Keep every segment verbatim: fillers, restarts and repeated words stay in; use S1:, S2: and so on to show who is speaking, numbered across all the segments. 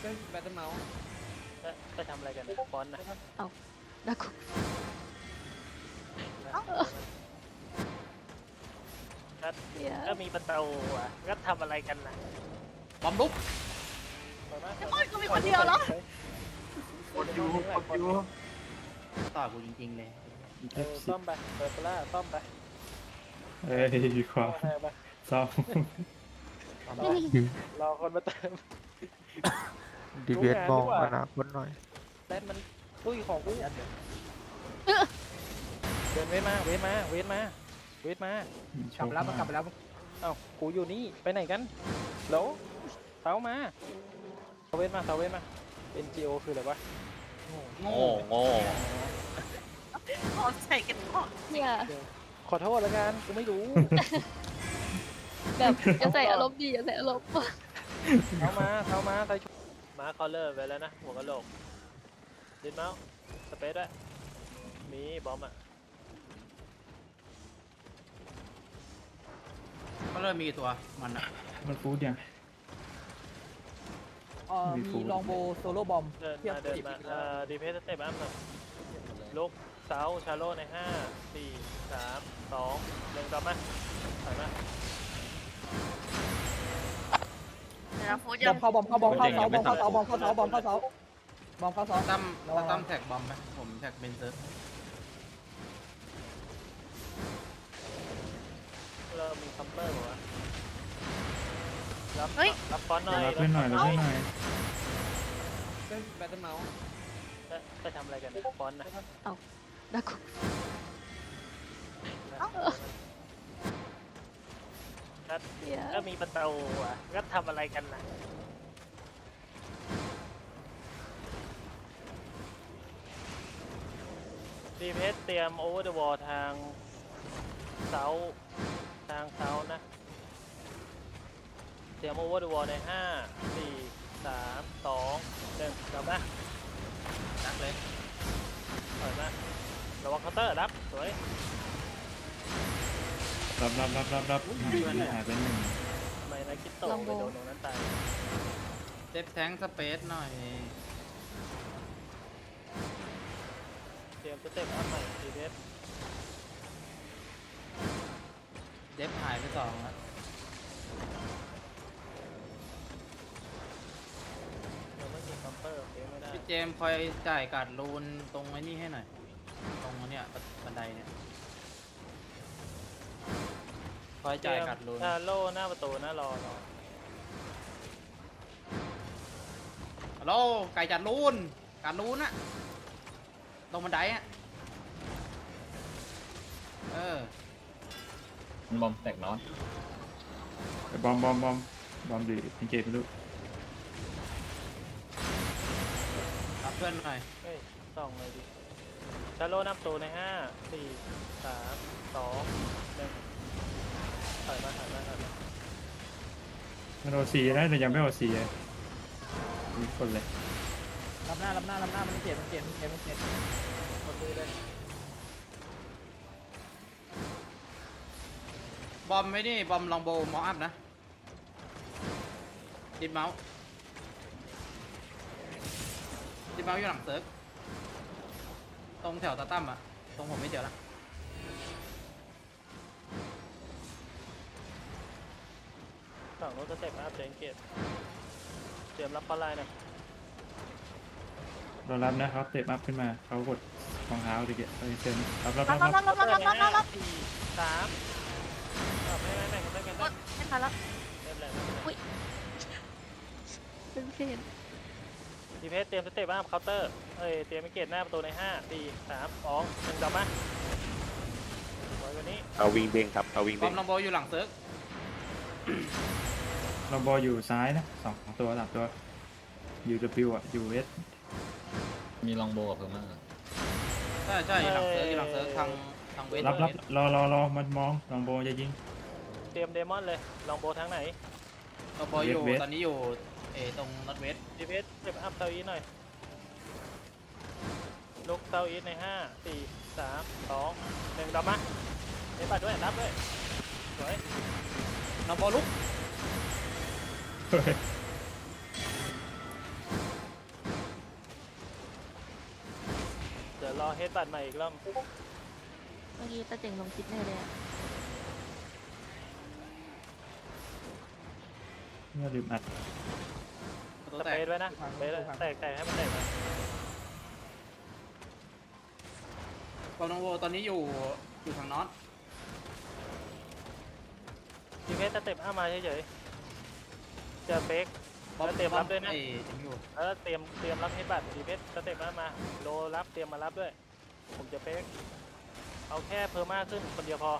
S1: แบตเตอร์เมาส์
S2: ไปทำอะไรกันเนี่ยฟอนต์นะ
S3: เอาดัก
S2: ก็ก็มีประตูอ่ะก็ทำอะไรกันนะ
S4: บอมลุก
S3: ไอ้บอยก็มีคนเดียวเหรอก
S4: ดอยู่กดอยู่ต่อกูจริงๆเลย
S2: เออซ่อมไปเปิดปลาซ่อมไป
S5: เอ้ยดีกว่า
S2: เอาไปไป
S5: ซ่อม
S2: รอรอคนมาเติม
S6: ดีเวทมองอนาคตหน่อย
S2: แดนมันตุ้ยของกูเดินเวทมาเวทมาเวทมาเวทมาก
S1: ลับไปแล้วมันกลับไปแล้ว
S2: เอ้ากูอยู่นี่ไปไหนกันโหลเสามาเสาเวทมาเสาเวทมา เอ็น จี โอ คืออะไรวะ
S4: โง่โง่
S3: ขอใส่กันก่อนเนี่ย
S2: ขอโทษแล้วกันกูไม่รู้
S3: แบบจะใส่อารมณ์ดีจะใส่อารมณ์
S2: เท้ามาเท้ามาใส่ชุดมาคอลเลอร์ไปแล้วนะหัวกะโหลกดินเมาส์สเปซด้วยมีบอมอ่ะ
S4: ก็เริ่มมีกี่ตัวมันอะ
S5: มันฟูดยัง
S1: เอ่อมีลองโบโซโล่บอม
S2: เดิน
S1: เทียบ
S2: มาเดิน
S1: สิบ
S2: มาเอ่อดีเพสเต็ปอัพหน่อยลุกเสาชาโลในห้าสี่สามสองหนึ่งกลับมาถอยมา
S3: นะฟูด
S1: บ
S3: ยั
S1: อง มเข้าบอมเข้าบอมเข้าเสาบอมเข้าเสาบอมเข้าเสาบอมเข้าเสาบอมเข้าเสา
S4: ตั้มตั้มแท็กบอมไหมผมแท็กเบนเซอร์
S2: เรามีคัมเปอร์บอกว่ารับ
S3: เฮ้ย
S2: รับฟอนต์หน่อย
S5: รับเพื่อนหน่อยรับเพื่อนหน่อย
S1: แบตเตอร์เมาส์
S2: ไปทำอะไรกันเนี่ยฟอนต์นะ
S3: ดัก
S2: ก็ก็มีประตูอ่ะก็ทำอะไรกันนะดีเพสเตรียมโอเวอร์เดอะวอลทางเซาทางเซานะเตรียมโอเวอร์เดอะวอลในห้าสี่สามสองหนึ่งกลับมา
S4: นักเลย
S2: ถอยมาระวังเคาน์เตอร์รับสวย
S5: รับรับรับรับรับหายไปหนึ่ง
S2: ทำไมนายคิดโตไปโดนตรงนั้นตาย
S4: เซฟแทงสเปซหน่อย
S2: เตรียมสเต็ปอัพใหม่ดีเพส
S4: เดฟหายไปสองแล้ว
S2: เราไม่มีคัมเปอร์โอเคไม่ได้
S4: พี่เจมส์คอยจ่ายการ์ดรูนตรงไอ้นี่ให้หน่อยตรงเนี้ยบันไดเนี่ยคอยจ่ายการ์ดรูน
S2: ชาโลหน้าประตูหน้ารอรอ
S4: ฮัลโหลไก่จัดรูนการ์ดรูนอะตรงบันไดอะเออบ
S7: อมแตกน็อต
S5: บอมบอมบอมบอมดีสังเกตไม่รู้
S4: รับเพื่อนหน่อย
S2: เฮ้ยส่องเลยดิชาโลหน้าประตูในห้าสี่สามสองหนึ่งถอยมาถอยมาถอยมา
S5: มันโอซีนะแต่ยังไม่โอซีเลยมีคนเลย
S1: รับหน้ารับหน้ารับหน้ามันเจ็บมันเจ็บมันเจ็บมันเจ็บ
S2: คนดูเลย
S4: บอมไม่นี่บอมลองโบมออัพนะดิดเมาส์ดิดเมาส์อยู่หลังเซิร์ฟตรงแถวตาตั้มอะตรงผมไม่เจอละ
S2: ฝั่งนู้นสเต็ปอัพเดนเกตเตรียมรับปลาไลน์หน่อย
S5: เรารับนะเขาเตะอัพขึ้นมาเขากดรองเท้าดิเกตไปเซ็นรับรับ
S3: รั
S5: รั
S3: บบ รับ
S5: รับ
S3: รับรับรับรับรับรับ
S2: สี่สามเอาไม่ไม่ไม่ไม่ไม่ไม่
S3: ไม่ทันแล้ว
S2: เริ่มเลยเริ่มเลย
S3: อุ้ยเป็นเพน
S2: ดีเพสเตรียมสเต็ปอัพเคาน์เตอร์เอ้ยเตรียมมิเกตหน้าประตูในห้าสี่สามสองหนึ่งกลับมาไว้วันนี้
S7: เอาวิงเด้งครับเอาวิง
S4: บอ
S7: เด้
S4: ม
S7: ง
S4: ลองโบอยู่หลังเซิร์ฟ
S5: เราบอลอยู่ซ้ายนะสองตัวสามตัวยูดับบิวอ่ะยูเอส
S7: มีลองโบกับเพิ่มมาก
S4: ใช่ใช่อยู่หลังเซิร์ฟอยู่หลังเซิร์ฟทางทางเวท
S5: รับรับรอรอรอมันมองลองโบจะยิง
S2: เตรียมเดมอนเลยลองโบทางไหน
S4: เราโบอยู่
S5: เวท
S4: ตอนนี้อยู่เอตรงนอตเวส
S2: ดีเพสสเต็ปอัพเซาอีทหน่อยลุกเซาอีทในห้าสี่สามสองหนึ่งกลับมาเดบัตด้วยรับด้วยสวย
S4: ลองโบลุก
S5: เฮ้ย
S2: อเฮดบัตใหม่อีกรอบ
S3: เมื่อกี้ตาเจ๋งลงคิดแน่เลยอะ
S5: เนี่ยลืมอัด
S4: ประตู
S2: ส
S4: แต
S2: เป
S4: ก
S2: ซไว้นะสเปซแตกแตกให้มันแตกนะ
S4: บอมน้องโวตอนนี้อยู่อยู่ทางน็อต
S2: ดีเพสสเต็ปห้ามาเฉยๆเจอเฟก
S4: บอม
S2: แล้วเตรียมรับด้วยนะ
S4: ไอ้ถึงอยู่
S2: แล้วเตรียมเตรียมรับเฮดบัตดีเพสสเต็ปห้ามาโลรับเตรียมมารับด้วย ผมจะเฟกเอาแค่เพอร์มาขึ้นคนเดียวพอ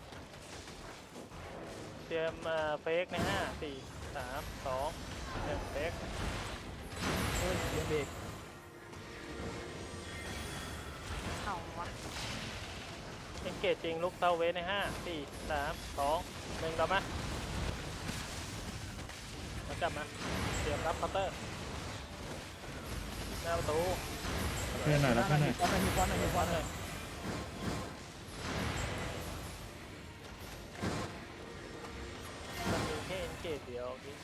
S2: เตรียมเฟกในห้าสี่สามสองหนึ่งเฟก
S1: เฮ้ยเดี๋ยวเบรก
S3: เอาวะ
S2: เอ็นเกจจริงลุกเซาเวสในห้าสี่สามสองหนึ่งกลับมา มากลับมาเตรียมรับเคาน์เตอร์หน้าประตู
S5: เพื่อนหน่อยแล้วเพื่อนหน่อย
S1: ควันหน่อยมีควันหน่อยมีควันหน่อย
S2: มันมีแค่เอ็นเกจเดียวพี่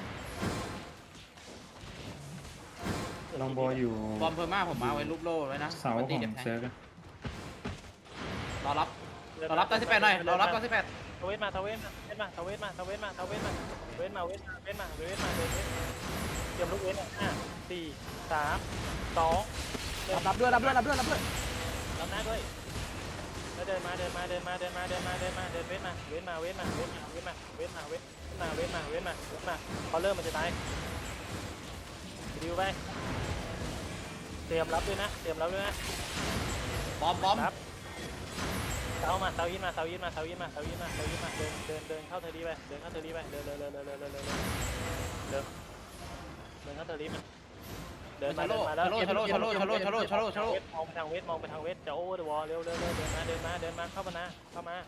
S5: ลองโบอยู่
S4: บอมเพอร์มาผมมาไว้รูปโล่ไว้นะ
S5: เสา
S4: ป
S5: ข
S4: ฏิ
S5: อง
S4: เดี๋ยวแทง
S5: เซิร์ฟอะ
S4: รอรับรอรับตาสิบแปดหน่อยรอรับตาสิบแปด
S2: ทเวสมาทเวสมาทเวสมาทเวสมาทเวสมาทเวสมาเวสมาเวสมาเวสมาเวสมาเวสเตรียมลูกเวสอ่ะห้าสี่สามสองหนึ่ง
S1: รับด้วยรับด้วยรับด้วยรับด้วย
S2: รับหน้าด้วยแล้วเดินมาเดินมาเดินมาเดินมาเดินมาเดินมาเดินเวสมาเวสมาเวสมาเวสมาเวสมาเวสมาเวสมาเวสมาเวสมาเวสมาพอเริ่มมันจะตายดิวไปเตรียมรับด้วยนะเตรียมรับด้วยนะ
S4: บอมบอม
S2: ครับเสามาเสายินมาเสายินมาเสายินมาเสายินมาเสายินมาเดินเดินเดินเข้าเทอร์ดีไปเดินเข้าเทอร์ดีไปเดินเดินเดินเดินเดินเดินเดินเดินเดินเดินเข้าเทอร์ดีมาเดินมา
S4: ชะ
S2: เดิ
S4: โล
S2: นมาแล้ว
S4: ชะโลชะโลชะโลชะโลชะโลชะโล
S2: มองไปทางเวทมองไปทางเวทจะโอเวอร์เดอะวอลเร็วเร็วเร็วเดินมาเดินมาเดินมาเข้ามานะเข้ามา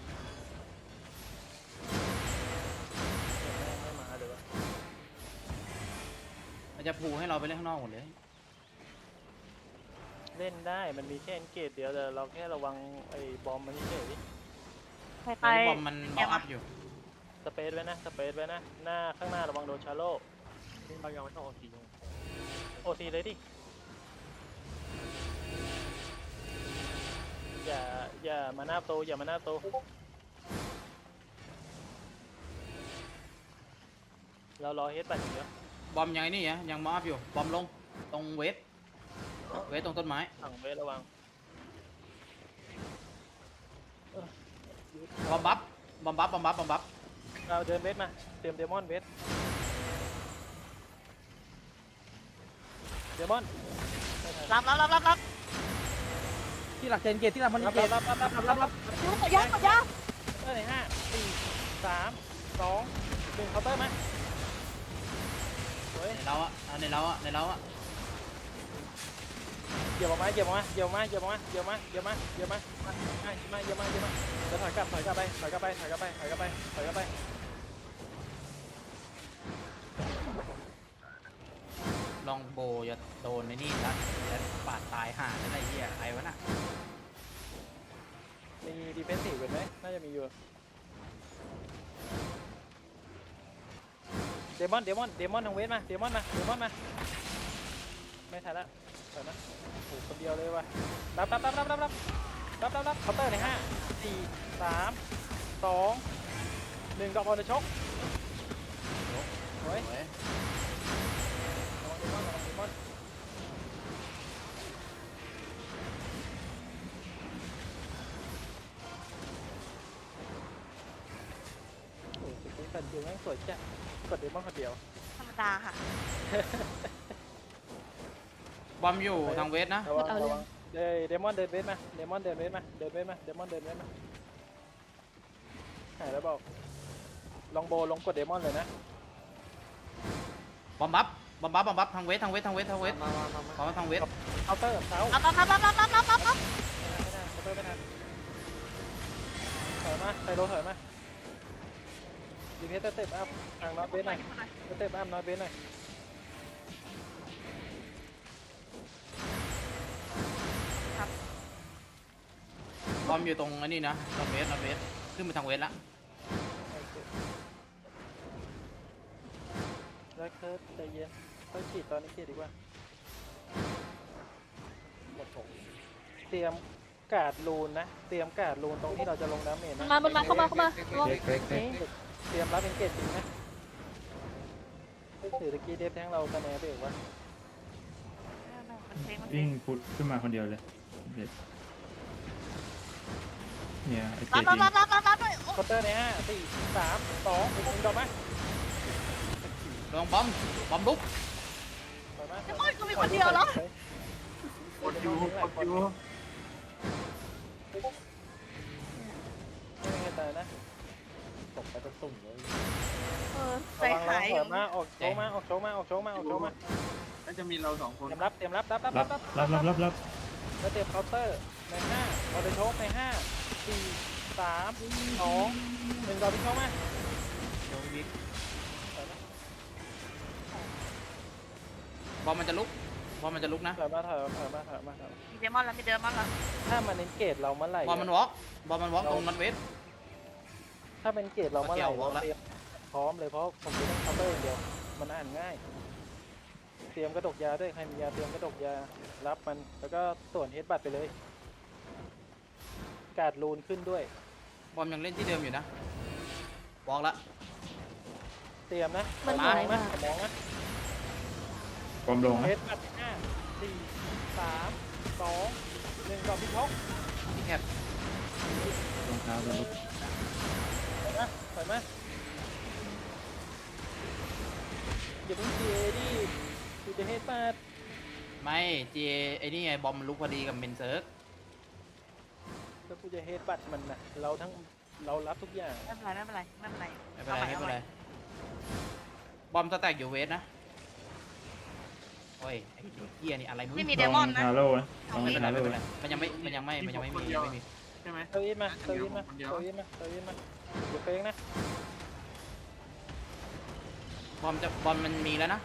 S2: ไม่มาเลยวะ
S4: มันจะพูให้เราไปเล่นข้างนอกหมดเลย
S2: เล่นได้มันมีแค่เอนเกตเดียวแต่เราแค่ระวังไอ้บอมมันเฉย
S3: ใคร
S4: ต
S3: ไป
S4: อนนี้บอมมันบอมอัพอยู่
S2: สเปซไว้นะสเปซไว้นะหน้าข้างหน้าระวังโดนชาโลเรายังไม่ต้องโอทีโอทีเลยดิอย่าอย่ามาหน้าโตอย่ามาหน้าโตเรารอเฮดบัตอย่างเดียว
S4: บอมยังไงนี่ฮะยังบอมอัพอยู่บอมลงตรงเวทเวทตรงต้นไม้
S2: สั่งเวทระวัง
S4: บอมบัฟบอมบัฟบอมบัฟบอมบัฟ
S2: เราเดินเวทมาเตรียมเดมอนเวทเดมอน
S3: รับรับรับรับรับ
S1: ที่หลักเจนเกตที่หลักมัน
S2: รับ
S1: เก
S2: รั
S1: ต
S2: บรับรับรับรับรับ
S3: ยูขยับขยับ
S2: เออห้าสี่สามสองหนึ่งเคาน์เตอร์มาเฮ้ย
S4: ในเราอะในเราอะในเราอะ
S2: เหยียบออกมาเหยียบออกมาเหยียบออกมาเหยียบออกมาเหยียบมาเหยียบมาเหยียบมามาเหยียบมาเหยียบมาเหยียบมาแล้วถอยกลับถอยกลับไปถอยกลับไปถอยกลับไปถอยกลับไปถอยกลับไป
S4: ลองโบจะโดนในนี่ละแล้วปาดตายห่าอะไรเหี้ยใครวะน่ะ
S2: มีดีเฟนซีฟเป็นไหมน่าจะมีอยู่เดมอนเดมอนเดมอนทางเวทมาเดมอนมาเดมอนมาไม่ทันละถอยนะโอ้คนเดียวเลยว่ะรับรับรับรับรับรับรับรับรับเคาน์เตอร์ในห้าสี่สามสองหนึ่งดอกบอลจะชกโอ้ย
S4: โอ้ย
S2: ระวังเดมอนระวังเดมอนโอ้ยสุดที่สันจิวแม่งสวยจังกดเดมอนคนเดียว
S3: ธรรมดาค่ะ
S4: บอมอยู่ทางเวทนะ
S2: ระวัง
S3: เอาเลย
S2: ระวังเดเดมอนเดินเวทมาเดมอนเดินเวทมาเดินเวทมาเดมอนเดินเวทมาหายแล้วบอกลองโบลงกดเดมอนเลยนะ
S4: บอมบัฟบอมบัฟบอมบัฟทางเวททางเวททางเวททางเวท
S2: มามามามา
S4: ขอมาทางเวท
S2: เคาน์เตอร์เท้า
S3: รับรับรับรับรับรับรับรับ
S2: ไม่ได้เคาน์เตอร์ไม่ทันถอยมาไซโรถอยมาดีเพสเต็ปอัพทางน็อตเวทหน่อยเต็ปอัพน็อตเวทหน่อย
S4: บอมอยู่ตรงอันนี้นะทางเวททางเวทขึ้นไปทางเวทละ
S2: แล้วเคิร์ฟใจเย็นค่อยฉีดตอนนี้เกียดีกว่าหมดผมเตรียมการ์ดลูนนะเตรียมการ์ดลูนตรงที่เราจะลงดาเมจ
S3: มัน
S2: นะ
S3: มามันมาเข้ามาเข้ามา
S5: เล็กเล็กเล็ก
S2: เตรียมรับเป็นเกตจริงนะถือตะกี้เดฟแทงเราคะแนนไปอีกวะ
S3: มันเพลงมันเพล
S5: วิ่
S3: ง
S5: งพุทขึ้นมาคนเดียวเลยเด็ดเนี่ยไอเจ
S3: รับ
S5: ดิ
S3: รับ
S5: ง
S3: รับรับรับด้วย
S2: คอร์เตอร์ในห้าสี่สามสองหนึ่งดอกไหม
S4: ลองบอมบอมลุก
S2: ปล่อยมา
S3: โอ้ยกูมีคนเดียวเหรอ
S2: กดอยู่กดอยู่ไม่ให้ตายนะตกไปจะตุ่มเลย
S3: เออใจ
S2: ระวัง
S3: หาย
S2: ระวังมาออกโชว์มาออกโชว์มาออกโชว์มาออกโชว์มา
S1: น่าจะมีเราสองคน
S2: เตรียมรับเตรียมรับรับรับ
S5: รั
S2: รั
S5: บบ รับรับรับรับ
S2: แล้วเตรียมเคาน์เตอร์ในห้าเอาไปโชว์ในห้าสี่สามสองหนึ่งดอกพิ้งเข้ามา
S4: โดนวิกบอมมันจะลุกบอมมันจะลุกนะ
S2: ถอยมาถอยมาถอยมาถอยมาถอยมา
S3: มีเดมอนแล้วมีเดมอนแล้ว
S2: ถ้ามันเน้นเกตเราเมื่อไหร่
S4: บอมมันวอล์กบอมมันวอล์กตรงนอตเวส
S2: ถ้าเป็นเกตเราเมื่อไหร่
S4: เกี่ยว
S2: เรา
S4: ละ
S2: เตรียมพร้อมเลยเพราะผมจะต้องเคาน์เตอร์อย่างเดียวมันอ่านง่าย เตรียมกระดกยาด้วยใครมียาเตรียมกระดกยารับมันแล้วก็ส่วนเฮดบัตไปเลยการ์ดลูนขึ้นด้วย
S4: บอมยังเล่นที่เดิมอยู่นะวอล์กละ
S2: เตรียมนะ
S3: มัน
S2: ม
S3: หาย
S2: อง
S3: มา
S2: นะมองนะ
S5: ความลง
S2: เฮ
S5: นะ
S2: ดบัตห้าสี่สามสองหนึ่งดอกพิทก
S4: ที่แคบ
S5: รองเท้าโดนลุก
S2: ถอยมาถอยมาอย่าเพิ่งเจดิดูจะเฮดบัต
S4: ไม่เจไอ้นี่ไงบอมมันลุกพอดีกับเมนเซิร์ก
S2: แล้วกูจะเฮดบัตมันนะเราทั้งเรารับทุกอย่าง
S3: ไม่เป็นไรไม่เป็นไรไม่เป็นไร
S4: ไม่เป็นไรไม่เป็นไรบอมสแต็กอยู่เวสนะโอ้ยไอ้เฮียนี่อะไรมึง
S3: ไม่มี
S5: ล
S3: เด
S5: อง
S3: มอนนะ
S5: ฮาโร่นะลอง
S4: ไม่เป็นไร
S5: ฮา
S4: ไม่
S5: โร่
S4: เป็นไรมันยังไม่มันยังไม่มันยังไม่มันยังไม่มียังไม่มี
S1: ใช่ไหม
S2: เตวินมาเตวินมาเตวินมาเตวินมาเดี๋ยวเป้งนะ
S4: บอมจะบอมมันมีแล้วนะ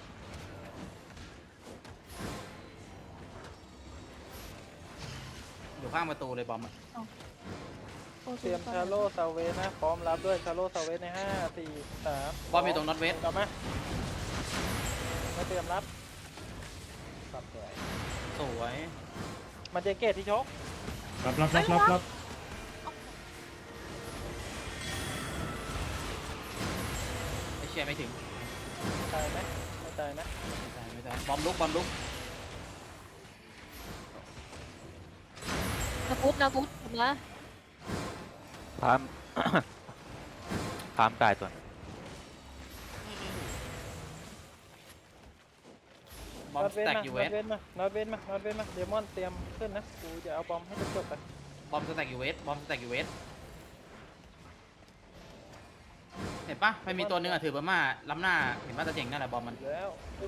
S4: อยู่ข้างประตูเลยบอมอะ
S2: เตรียมชาโลซาเวสนะพร้อมรับด้วยชาโลซาเวสในห้าสี่สาม
S4: บอมอยู่ตรงน็อตเวส
S2: กลับมามาเตรียมรับสับสวย
S4: สวย
S2: มันจะเกตที่ชก
S5: รับรับรับรับรับ
S4: ไอเชียไม่ถึง
S2: ตายไหมไม่ตายนะ
S4: ไม่ได้ไม่ได้บอมลุกบอมลุก
S3: นาพุทนาพุทผมนะ
S6: พาม พามกายตัว
S4: บอม
S2: นอต
S4: ส
S2: เวน
S4: แต็ก
S2: มา
S4: อยู่
S2: น
S4: เว
S2: อ
S4: ส
S2: ตเวนมานอตเวนมานอตเวนมาเดมอนเตรียมขึ้นนะกูจะเอาบอมให้จบๆไป
S4: บอมสแต็กอยู่เวสบอมสแต็กอยู่เวสเห็นปะไม่มีตัวหนึงอะถือเบอร์มาล้ำหน้าเห็นปะตะเจ๋งนั่นแหละบอมมัน
S2: แล้ว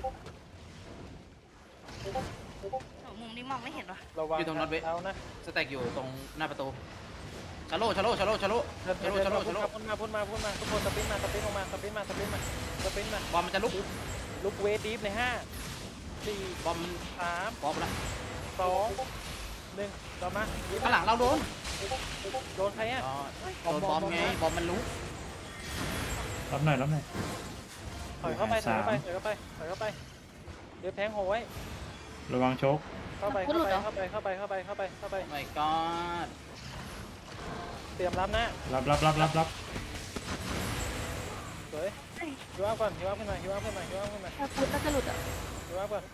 S3: มุมนี้มองไม่เห็นว่ะ
S2: ระวังเอานะ
S4: สแต็กอยู่ตรงหน้าประตูชาโลชาโลชาโลชาโล
S2: เดิน
S4: ชาโลชาโลชาโล
S2: พุ่นมาพุ่นมาพุ่นมาทุกคนสปรินมาสปรินออกมาสปรินมาสปรินมาสปรินมา
S4: บอมมันจะลุก
S2: ลุกเวทดีฟในห้าสี่
S4: บอมมัน
S2: สาม
S4: บอมละ
S2: สองหนึ่งต่อมา
S4: ข้างหลังเราโดน
S2: โดนใครอ่ะ
S4: อ๋อโดนบอมไงบอมมันลุก
S5: รับหน่อยรับหน่อย
S2: ถอยเข้าไปถอยเข้าไปถอยเข้าไปถอยเข้าไปเดี๋ยวแทงโหไว้
S5: ระวังโชก
S2: เข้าไปเข้าไปเข้าไปเข้าไปเข้าไปเข้าไปเข้าไป
S4: ไม่ก็
S2: เตรียมรับนะ
S5: รับรับรับรับรับ
S2: สวยฮิวอัพก่อนฮิวอัพขึ้นมาฮิวอัพขึ้นมาฮิวอัพขึ้นมา
S3: นาพุทน่าจะหลุดอ่ะ
S2: ฮิวอัพก่อน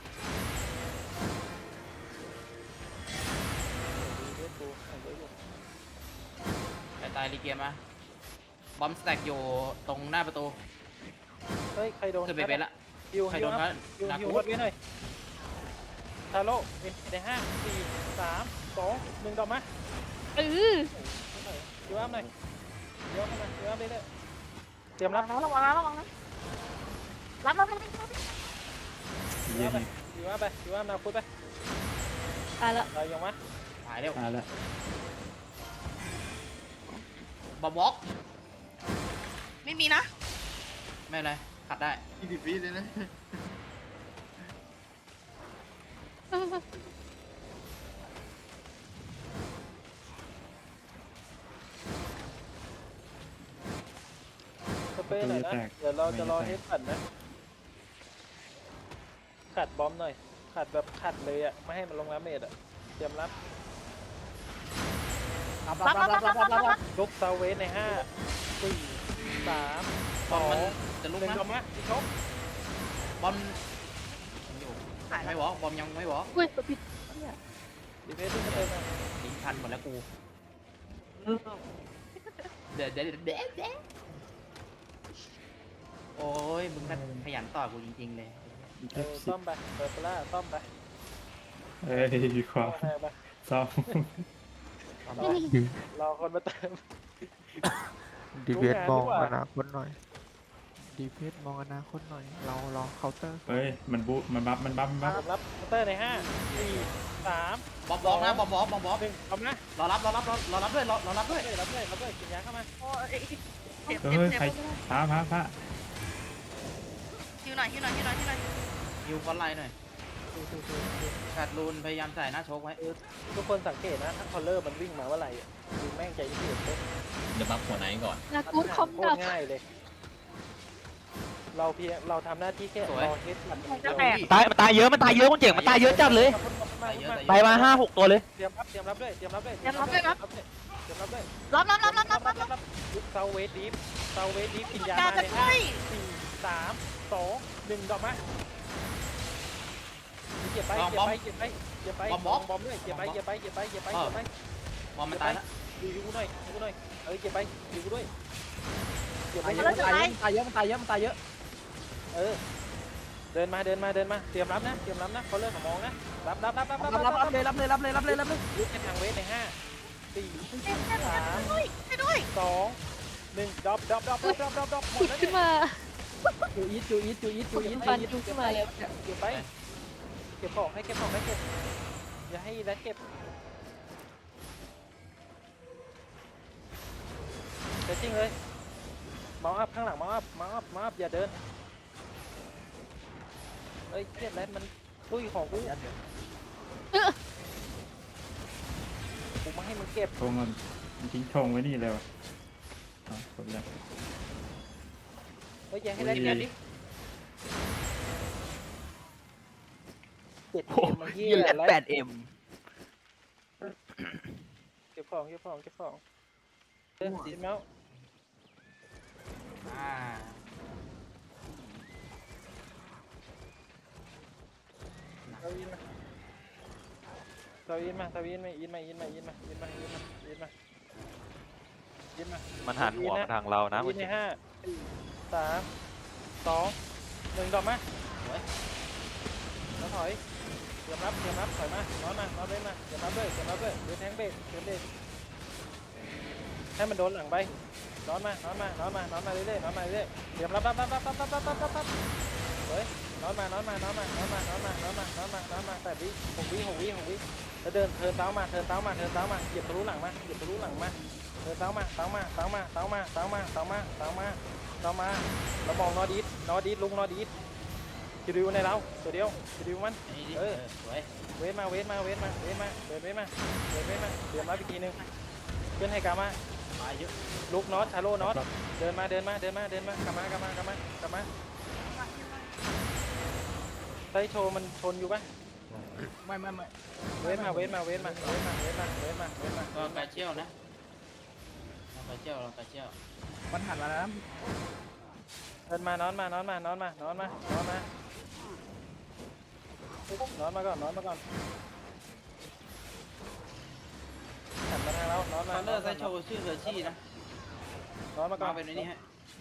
S2: เวทกูเอาไว้อยู่
S4: ไอ้ตายรีเกียร์มาบอมสแต็กอยู่ตรงหน้าประตู
S2: เฮ้ยใครโดน
S4: คือเบเบละ
S2: ฮิว
S4: ใคร
S2: ฮิ
S4: โด
S2: วน อัพ
S4: เขา
S2: ฮิว
S4: หนัก
S2: ฮิว
S4: กู
S2: วัดไว้หน่อยทาโร่ในห้าสี่สามสองหนึ่งดอกมา
S3: เออ
S2: ฮิวอัพหน่อยฮิวอัพขึ้นมาฮิวอัพเรื่อยๆเตรียม
S3: ระ
S2: รับ
S3: วังนะระวังนะระวังนะรับรับรับรับ
S2: ฮิว
S5: เยี่ย
S2: อัพ
S5: ม
S2: ไปฮิวอัพไปฮิวอัพนาพุทไป
S3: ตายละ
S2: ตายยังวะ
S4: หายเร็ว
S5: มาแล้ว
S4: บอมวอล์ก
S3: ไม่มีนะ
S4: ไม่เป็นไรขัดได้
S1: ยี่สิบวิเลยนะ
S2: สเปรย์หน่อยนะเดี๋ยวเราจะรอเฮดขัดนะขัดบอมหน่อยขัดแบบขัดเลยอ่ะไม่ให้มันลงน้ำเมดอ่ะเตรียมรับ
S1: รับรับรับรับรับรับรับ
S2: ลุกเซาเวสในห้าสี่สาม
S4: บ
S2: ส
S4: อ
S2: อ
S4: มมัน
S2: ง
S4: จะลุก
S2: หนึ่ง
S4: นะ
S2: ดอกมาอีกชก
S4: บอมยังอยู่ไม่วอล์กบอมยังไม่วอล์ก
S3: อุ้ยกดผิด
S2: ดีเพสที่จะเดินมา
S4: ทิ้งทันหมดแล้วกูเดี๋ยวเดี๋ยวเดี๋ยวเดี๋ยวเดี๋ยวโอ้ยมึงก็ขยันต่อกูจริงๆเลย
S2: เออซ่อมไปเปิดไปล่าซ่อมไป
S5: เอ้ยดีกว่า
S2: เอาไป
S5: ซ้อม
S2: รอคนมาเติม
S6: ดีเวท
S2: รู้
S6: มอง
S2: งานดีกว่า
S6: อนาคตหน่อยดีเวทมองอนาคตหน่อย เรารอเคาน์เตอร์
S5: เฮ้ยมันบูมันบัฟมันบัฟมันบัฟ
S2: รับเคาน์เตอร์ในห้าสี่สาม
S4: บอมบอมนะบอมบอมบอมบอม
S2: หนึ่งพร้อมนะ
S4: รอรับรอรับรอรอรับด้วยรอรอรับด้วย
S2: รับด้วยรับด้วยกินยาเข้ามา
S3: โอ้ยเจ็บ
S5: เฮ้
S3: เจ็บ
S5: ย
S3: เจ็บ
S5: ใครพระพระพระ
S3: ฮิวหน่อยฮิวหน่อยฮิวหน่อยฮิวหน่อย
S4: ฮิวฟอนไลน์หน่อยขาดรูนพยายามใส่หน้าโชกไว้
S2: ทุกคนสังเกตนะถ้าคอลเลอร์มันวิ่งมาเมื่อไหร่อะดูแม่งใจเย็นเลย
S7: เดี๋ยวบัฟหัวไหนก่อน
S3: นากูดคอม
S2: โค
S3: ดั
S2: ต
S3: บ
S2: รง่ายเลย เราเพียงเราทำหน้าที่แค่รอเฮดมัน
S3: จะแตก
S1: ตายมันตายเยอะมันตายเยอะคนเจ๋งมันตายเยอะจัดเลยตายมาห้าหกตัวเลย
S2: เตรียมรับเตรียมรับด้วยเตรียมรับด้วย
S3: เตรียมรับด้วยครับ
S2: เตรียมรับด้วย
S3: รับรับรับรับรับรับรับ
S2: ยุคเซาเวสดีฟเซาเวสดีฟกินยา
S3: การ
S2: มา
S3: จะ
S2: ใน
S3: ช่
S2: ห้า
S3: วย
S2: สี่สามสองหนึ่งดอกมาเก็บไปเก็บไปเก็บไปเก็บไปบอมบอมด้วยเก็บไปเก็บไปเก็บไปเก็บไปเก็บไป
S4: บอมมันตายแล้ว
S2: ดูยูหน่อยยูหน่อยเอ้ยเก็บไปยูด้วยเก็บไป
S1: ตายเยอะมันตายเยอะมันตายเยอะมันตายเยอะ
S2: เออเดินมาเดินมาเดินมาเตรียมรับนะเตรียมรับนะเขาเริ่มมองนะรับรับรับรับ
S1: รับรับรับเลยรับเลยรับเลยรับเลยรับเลย
S2: ลุกในทางเวทในห้าสี่
S3: เจ็บเจ็บ
S2: สาม
S3: ด้วยด้วย
S2: สองหนึ่งดรอปดรอปดรอปดรอปดรอปดรอปดรอปหม
S3: ผุ
S2: ด
S3: ด
S2: แล้ว
S3: ขึ้นมา
S1: จูอีทจูอีทจูอีท
S3: ผุ
S1: จู
S3: ด
S1: อีท
S3: ฟันจูขึ้นมาเลย
S2: เก็บไปเก็บของให้เก็บของให้เก็บอย่าให้แรดเก็บเซตติ้งเลยมาอัพข้างหลังมาอัพมาอัพมาอัพอย่าเดินเอ้ยเครียดแรดมันตุ้ยของกูกูมาให้มึงเก็บ
S5: ธงมันมันทิ้งธงไว้นี่เลยวะอ๋อคนละ
S2: เฮ้ยอย่าให้แรดเก็บดิเจ็ดเอ็มเฮี
S1: ยี่
S2: ย
S1: แหละ
S2: แร
S1: แป
S2: ด
S1: ดเอ็ม
S2: เก็บของเก็บของเก็บของเดินสีเมาส์
S4: อ่า
S2: เราอินมาเราอินมาเราอินมาอินมาอินมาอินมาอินมาอินมาอินมาอินมา
S8: มันหันหัวมาทางเรานะ
S2: อินในห้าสี่สามสองหนึ่งดอกมาแล้วถอยเตรียมรับเตรียมรับถอยมาน้อนมาน้อนเล่นมาเตรียมรับด้วยเตรียมรับด้วยเดี๋ยวแทงเบรกเตรียมเบรกให้มันโดนหลังไปน้อนมาน้อนมาน้อนมาน้อนมาเรื่อยๆน้อนมาเรื่อยๆเตรียมรับรับรับรับรับรับรับรับรับเฮ้ยน้อนมาน้อนมาน้อนมาน้อนมาน้อนมาน้อนมาน้อนมาน้อนมาแปดวิหกวิหกวิหกวิแล้วเดินเทินเท้ามาเทินเท้ามาเทินเท้ามาเหยียบทะลุหลังมาเหยียบทะลุหลังมาเทินเท้ามาเท้ามาเท้ามาเท้ามาเท้ามาเท้ามาเท้ามาเท้ามาแล้วมองนอดีดนอดีดลุงนอดีดจะดูในเราตัวเดียวจะดูมัน
S4: ไอ้นี่
S2: เอ
S4: เอ
S2: อ
S4: อสวย
S2: เวทมาเวทมาเวทมาเวทมาเดินเวทมาเดินเวทมาเตรียมรับอีกทีนึงเพื่อนให้กามา
S4: ตายเยอะ
S2: ลุกน็อตชาโลน็อตเดินมาเดินมาเดินมาเดินมากลับมากลับมากลับมากลับมาไซโชมันชนอยู่ปะ
S1: ไม่ไม่ไม่
S2: เวทมาเวทมาเวทมาเวทมาเวทมาเวทมาเวทมา
S4: ก็กระเชี่ยวนะเรากระเชี่ยวเรากระเชี่ยว
S1: มันหันมาแล้ว
S2: เดินมานอนมานอนมานอนมานอนมานอนมานอนมาก่อนนอนมาก่อนหันมาทางเรานอน
S4: ค
S2: มา
S4: อนเนอร์ไซโชว์ชื่อเรือชี่นะ
S2: นอนมาก่อ
S4: มาน เป็นไอ้นี่ฮะ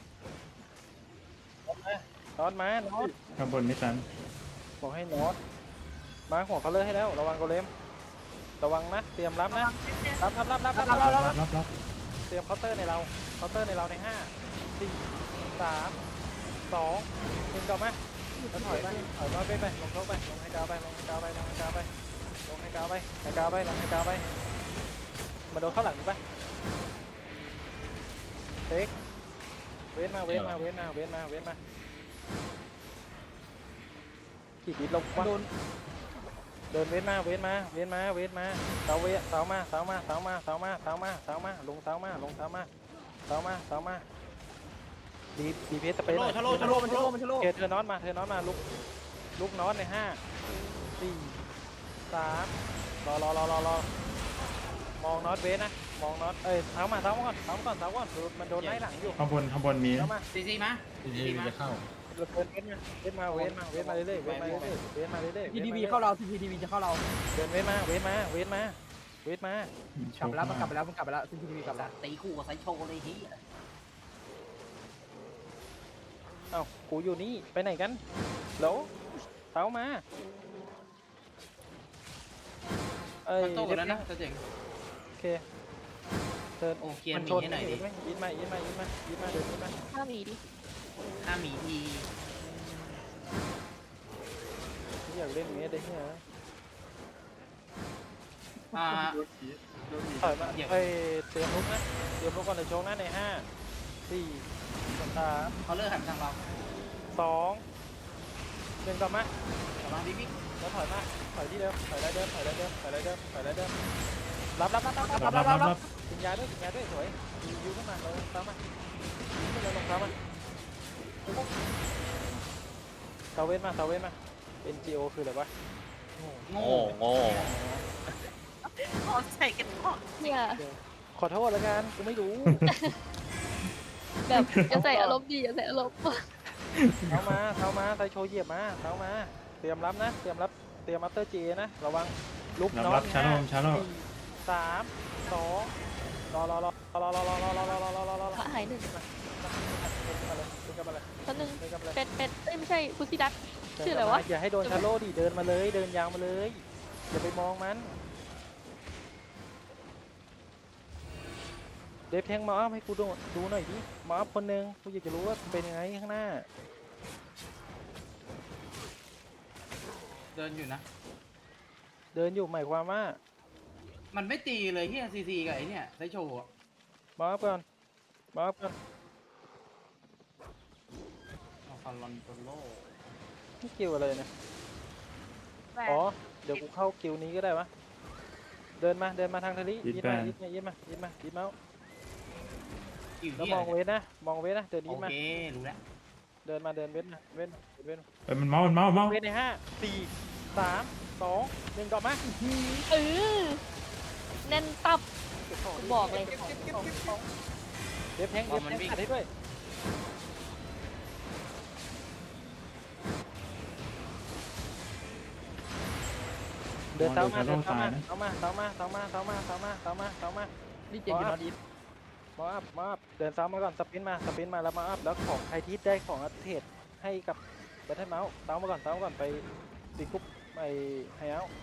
S2: นอนมานอน
S5: ข้างบนไม่ตัน
S2: บอกให้นอนมาหัวเขาเลยให้แล้วระวังโกเลมระวังนะเตรียมรับนะรับรับรับรับรับรับ
S5: รับรับรับ
S2: เตรียมเคาน์เตอร์ในเราเคาน์เตอร์ในเราในห้าสี่สามสองหนึ่งกลับมาแล้วถอยไปถอยมาไปไปลงเข้าไปลงให้กาวไปลงให้กาวไปลงให้กาวไปลงให้กาวไปให้กาวไปลงให้กาวไปมาโดนเข้าหลังปะเทคเว้นมาเว้นมาเว้นมาเว้นมาเว้นมาขีดดิดลงวะเดินเว้นมาเว้นมาเว้นมาเว้นมาเสาเวเสามาเสามาเสามาเสามาเสามาเสามาลงเสามาลงเสามาเสามาเสามาดีดีเพสเปน
S4: ชะโลชะโลชะโล
S1: มันชะโล
S2: เธอน็อตมาเธอน็อตมาลุกลุกน็อตในห้าสี่สามรอรอรอรอรอมองน็อตเวสนะมองน็อตเอ้ยเท้ามาเท้ามาก่อนเท้ามาก่อนเท้าก่อนมันโดนไล่หลังอยู่
S5: ข้างบนข้างบนมี
S2: เท้า
S5: นะ
S2: มา
S4: ซีซีมา
S7: ทีนี้จะเข้า
S2: เดินเว้นมาเว้นมาเว้นมาเว้นมาเรื่อยๆเว้นมาเรื่อยๆเว้นมาเรื่อยๆ
S6: ทีดีวีเข้าเราทีดีวีจะเข้าเรา
S2: เดินเว้นมาเว้นมาเว้นมาเว้นมาก
S6: ลับไปแล้วมันกลับไปแล้วมันกลับไปแล้วทีดีวีกลับแล้ว
S4: ตีคู่กับไซโชเลยเฮีย
S2: เอ้ากูอยู่นี่ไปไหนกันแล้วเท้ามาเอ้ย
S4: มันโตกันแล้วนะจะเจ๋ง
S2: โอเคเดิน
S4: โอ้เคลียร์
S2: มัน
S4: หมี
S2: ชน
S4: ให้หน่อยดิ
S2: ยินมายินมายินมายินมาเดินยินมา
S3: ห้าหมีดิ
S4: ห้าหมีที
S2: อยากเล่นเมสได้เหี้ย
S4: อ่า
S2: ถอยมาเอ้ยเตรียมลุกนะเตรียมลุกก่อนเลยโชว์นะในห้าสี่สาม
S4: เขาเลิกหันไปทางเรา
S2: สองหนึ่งกลับมา
S4: กำลังบิ๊กบิ๊ก
S2: แล้วถอยมาถอยที่เดิมถอยได้เดิมถอยได้เดิมถอยได้เดิมถอยได้เดิมรับรับรับรับรับ
S5: รั
S2: รั
S5: บบ รับ
S2: รั
S5: รั
S2: บบ รับกินยาด้วยกินยาด้วยสวยยูยูขึ้นมาลงซ้ำมาขึ้นเลยลงซ้ำมาเซเว่นมาเซเว่นมา เอ็น จี โอ คืออะไรวะ
S4: โง่
S1: โง่โง่
S4: ขอใส่กันก่อน
S3: เนี่ย
S2: ขอโทษแล้วกันกูไม่รู้
S3: แบบจะใส่อารมณ์ดีจะใส่อารมณ์
S2: เท้ามาเท้ามาไทโชว์เหยียบมาเท้ามาเตรียมรับนะเตรียมรับเตรียมอัปเตอร์จีนะระวังลุก
S5: รับ
S2: น็อ
S5: รั
S2: ต
S5: บชาโลมชาโลม
S2: สี่สามสองรอรอรอรอรอรอรอรอรอรอรอรอรอ
S3: พระหายหนึ่ง
S2: ขึ้นมาเลยขึ้นมาเลย
S3: ตอนหนึ่ง
S2: ขึ้นมาเลย
S3: เป็ดเป็ดเอ้ยไม่ใช่พุซิดัก ชื่ออะไรวะ
S2: อย่าให้โดนชาโลดิเดินมาเลยเดินยาวมาเลยอย่าไปมองมันเดฟแทงมาอัพให้กูดูดูหน่อยดิมาอัพคนหนึ่งกูอยากจะรู้ว่าเป็นยังไงข้างหน้า
S4: เดินอยู่นะ
S2: เดินอยู่หมายความว่า
S4: มันไม่ตีเลยเฮียซีซีกับไอเนี่ยไซโชอะ
S2: มาอัพก่อนมาอัพก่อน
S4: เอาฟาลอนโตโล
S2: นี่กิวอะไรเนี่ยอ๋อเดี๋ยวกูเข้ากิวนี้ก็ได้วะเดินมาเดินมาทางทะเลยิดมายิดมายิดมายิดมายิดเมาส์
S4: อยู่
S2: แล้ว
S4: เฮี
S2: ม
S4: ย
S2: องเวทนะมองเวทนะเดิน
S4: โอ
S2: ยิดมา
S4: เครู้แล้ว
S2: เดินมาเดินเวทมาเวทมาเวทมา
S5: เอ้ยมันเมามันเมาเมา
S2: เวทในห้าสี่สามสองหนึ่งกลับมา
S3: เออแน่นตับ
S2: เก็บของ
S3: บอกเลย
S2: เก็บของเก็บของเก็บของเด็บแทงเด็บแทงขัดให้ด้วยเดินเท้ามาเดินเท้ามาเท้ามาเท้ามาเท้ามาเท้ามาเท้ามาเท้ามาเท้ามา
S6: นี่เจ๋งอยู่นอตอีฟ
S2: มาอัพมาอัพเดินซ้ำมาก่อนสปินมาสปินมาแล้วมาอัพแล้วของใครที่ได้ของอัปเทศให้กับแบทเทิลเมาส์เท้ามาก่อนเท้ามาก่อนไปตีกุ๊บไปไฮเอาท์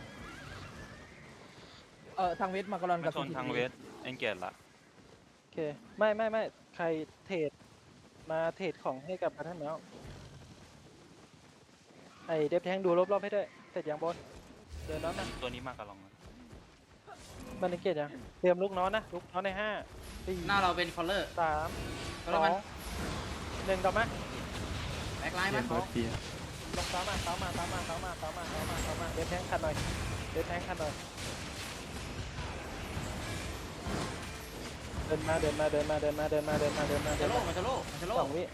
S6: เออทางเวทมากรอน
S1: มา
S6: กับ
S1: ชนทางเวสเอ็นเกตละ
S2: โอเคไม่ไม่ไม่ใครเทรดมาเทรดของให้กับแบทเทิลเมาส์ไอเดฟแทงดูรอบๆให้ด้วยเสร็จยังบนเดินน้อนนะ
S1: ตัวนี้มากกับลองนะ
S2: มันสังเกตยังเตรียมลูกน้อนนะลูกน้อนในห้าสี่
S4: หน้าเราเป็นคอลเลอร์
S2: สาม
S4: ก็
S2: ส
S4: แล้ว
S2: อ
S4: มัน
S2: งหนึ่งกลับมา
S4: แบ็คไลน์
S5: เกี
S4: มั
S5: ย
S4: น
S5: ร์เปิดเกียร์
S2: ลงซ้ำมาซ้ำมาซ้ำมาซ้ำมาซ้ำมาซ้ำมาซ้ำมาเดฟแทงคันหน่อยเดฟแทงคันหน่อยเดินมาเดินมาเดินมาเดินมาเดินมาเดินมาเดินมา
S4: มัน
S2: เดิ
S4: จะ
S2: น
S4: โล
S2: มา
S4: มันจะโลมันจะโล
S2: สองวิ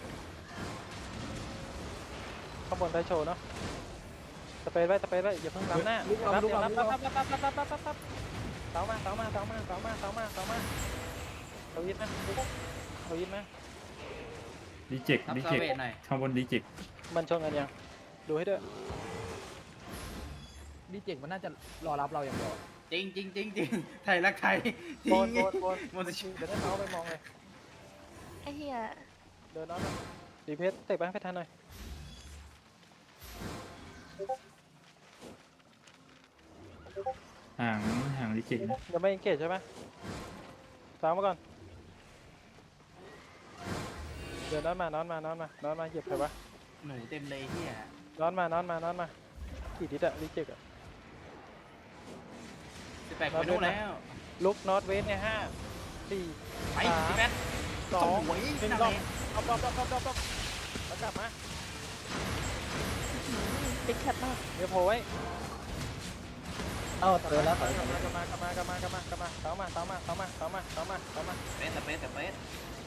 S2: ข้างบนไทโชว์เนาะสเปรย์ไว้สเปรย์ไว้อย่าเพิ่งล้ำหน้ารับรับรับรับรับรับรับรับรับรับเสามาเสามาเสามาเสามาเสามาเสามาเสายิดนะเสายิดนะ
S5: ดีเจก
S4: รับ
S5: ดี
S4: ซา
S5: เจก
S4: เวทหน่อย
S5: ข้างบนดีเจก
S2: มันชนกันยังดูให้ด้วย
S6: นี่เจ๋งมันน่าจะรอรับเราอย่างเดียว
S4: จริงจริงจริงจริงไทยรักไทยจริ
S2: โบ
S4: ง
S2: นโบนโบน
S4: มันจะ
S2: เดี๋ยวได้เท้าไปมองเลย
S3: ไอ้เหี้ย
S2: เดินน้องดีเพชรเตะไปให้ทันหน่อย
S5: ห่างห่างดีเจกนะ
S2: ยังไม่เกตใช่ไหมสามมาก่อนเดินนอนมานอนมานอนมานอนมาเหยียบใครวะ
S4: หนูเต็มเลยเฮีย
S2: นอนมานอนมานอนมากี่ทิศอะรีเจ็กอะ
S4: สิบแปดคนนู้นแล้ว
S2: ลุกนอตเวสในห้าสี่
S4: ไป
S2: สาม
S4: พี่แป๊ด
S2: สอง
S4: สวย
S2: หนึ่ง
S4: นั่น
S2: ร
S4: แห
S2: อบ
S4: ละ
S2: รอบรอบรอบรอบรอบแล้วกลับมา
S3: เป็นชัดมาก
S2: เดี๋ยวโผล่ไว้
S6: เอ้าเดินแล้ว
S2: กลับมากลับมากลับมากลับมากลับมากลับมาเท้ามาเท้ามาเท้ามาเท้ามาเท้ามาเท้ามา
S4: เป๊ะแต่เป๊ะแต่เป๊ะ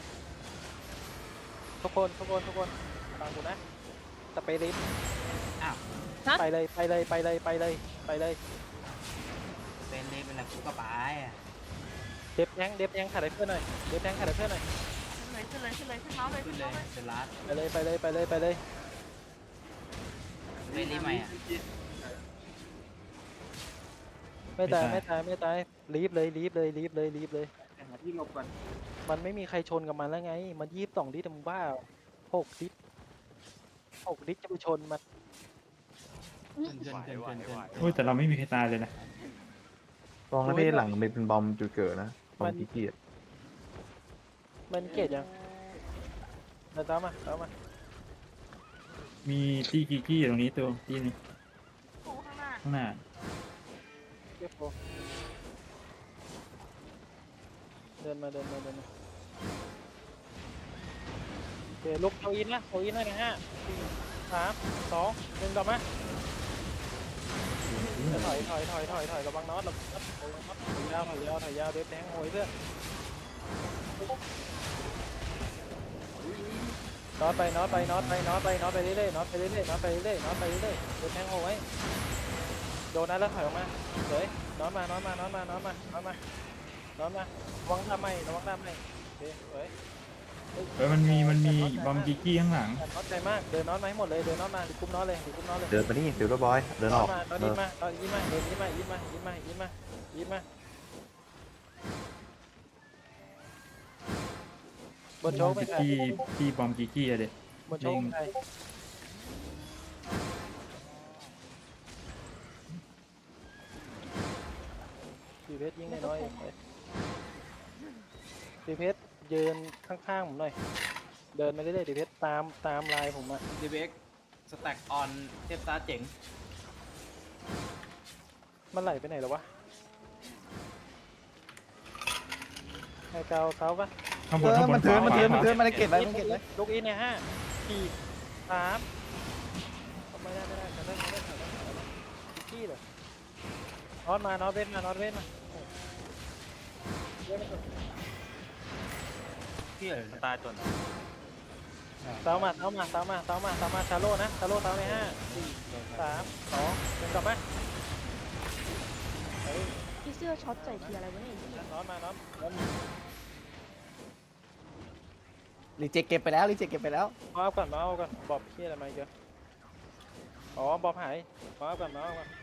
S2: ทุกคนทุกคนทุกคนฟังกูนะสเปรย์ลิฟต์
S4: อ้าว
S2: ไปเลยไปเลยไปเลยไปเลยไปเลย
S4: เป็นเลยเป็นอะไรกูก็ไปอ่ะ
S2: โอเคดฟแทงเดฟแทงขาดไอ้เพื่อนหน่อยเดฟแทงขาดไอ้เพื่อนหน่อย
S3: ขึ้นเลยขึ้นเลยขึ้นเลยขึ้นเมาส์เลย
S4: ขึ้
S3: ขึ้
S4: น
S3: น
S4: เล
S3: เมาส์เลย
S4: ยเป็นลาส
S2: ไปเลยไปเลยไปเลยไปเลย
S4: เล่นรีใหม่อ่ะ
S2: ไม่ตายไม่ตายไม่ตายรีบเลยรีบเลยรีบเลยรีบเลย
S8: หาที่หลบก่อน
S2: มันไม่มีใครชนกับมันแล้วไง มันยี่สิบสองดิสมึงบ้าหกดิสหกดิสจะไปชนมัน
S4: ขึ้นขึ้นขึ้นขึ้นขึ้น
S5: โอ้ยแต่เราไม่มีใครตายเลยนะ
S9: ลองนะพี่หลังมันเป็นบอมจุดเกิดนะบอ
S2: มั
S9: ม
S2: น
S9: ขี้เกียจ
S2: มันเกลียดยังเดินตามมาตามมา
S5: มีตี้กิกกี้ตรงนี้ตัวตี้นี้
S3: โอ้ข้างหน้า
S5: ข้างหน้า
S2: เก็บโฟเดินมาเดินมาเดินมาโอเคลุกเอาอินนะเอาอินนะในห้าสี่สามสองหนึ่งต่อมาถอยถอยถอยถอยถอยระวังน็อตระวังน็อตระวังน็อตถอยยาวถอยยาวถอยยาวเด็บแทงโหยเพื่อนน็อตไปน็อตไปน็อตไปน็อตไปน็อตไปเรื่อยๆน็อตไปเรื่อยๆน็อตไปเรื่อยๆน็อตไปเรื่อยๆเด็บแทงโหยโดนนะแล้วถอยออกมาเฮ้ยน็อตมาน็อตมาน็อตมาน็อตมาน็อตมาน็อตมาระวังตามไม่ระวังตามไม่โอเคเฮ้ย
S5: เออมันมีมันมีบอมกิกกี้ข้างหลัง
S2: น็อตใจมากเดินน็อตมาให้หมดเลยเดินน็อตมาดิคุ้มน็อตเลยดิคุ้มน็อตเลย
S9: เดินมานี่ฟิลเตอร์บอยเดินอ
S2: น็อ
S9: อ
S2: ต
S9: ก
S2: มาน็อต
S9: เอ
S2: ยิ้
S9: อ
S2: มมาน็อตยิ้มมาเดินยิ้มมายิ้มมายิ้มมายิ้มมายิ้มมาบนโชก
S5: กิ
S2: ไม่
S5: ก
S2: ใช่
S5: กี้ที่บอมกิกกี้อะเด็ก
S2: บนโชกไม่ใช่สีเพชรยิงน้อยๆสีเพชรยืนข้างๆผมหน่อยเดินมาเรื่อยๆสีเพชรตามตามลายผมอะ
S4: ดีเบกสแต็กออนเทพตาเจ๋ง
S2: มันไหลไปไหนแล้ววะไอ้เกาเกาปะ
S5: ข้างบ
S8: เอน อ
S5: ข้างบ
S8: มัน นเทินมันเทิน
S5: ขวา
S8: มันเทินมันเก็บไว้มันเก็บไว้
S2: ลูกอินในห้าสี่สามไม่ได้ไม่ได้ไม่ได้ไม่ได้ไม่ได้ขี้เลยน็อตมาน็อตเว้นมาน็อตเว้นมาเว้นมา
S4: พี่เอ๋ย
S1: ตายจน
S2: เสามาเสามาเสามาเสามาเสามาชาโล่นะชาโล่เสาในห้าสี่สามสองหนึ่งกลับมาเฮ้ย
S3: พี่เสื้อช็อตใส่ทีอะไรวะเนี่ยไอ้เหี้ย
S2: น็อตมาน็อตน็อตมา
S8: รีเจ็คเก็บไปแล้วรีเจ็คเก็บไปแล้ว
S2: มาเอาก่อนมาเอาก่อนบอบขี้อะไรมาเยอะอ๋อบอบหายมาเอาก่อนมาเอาก่อน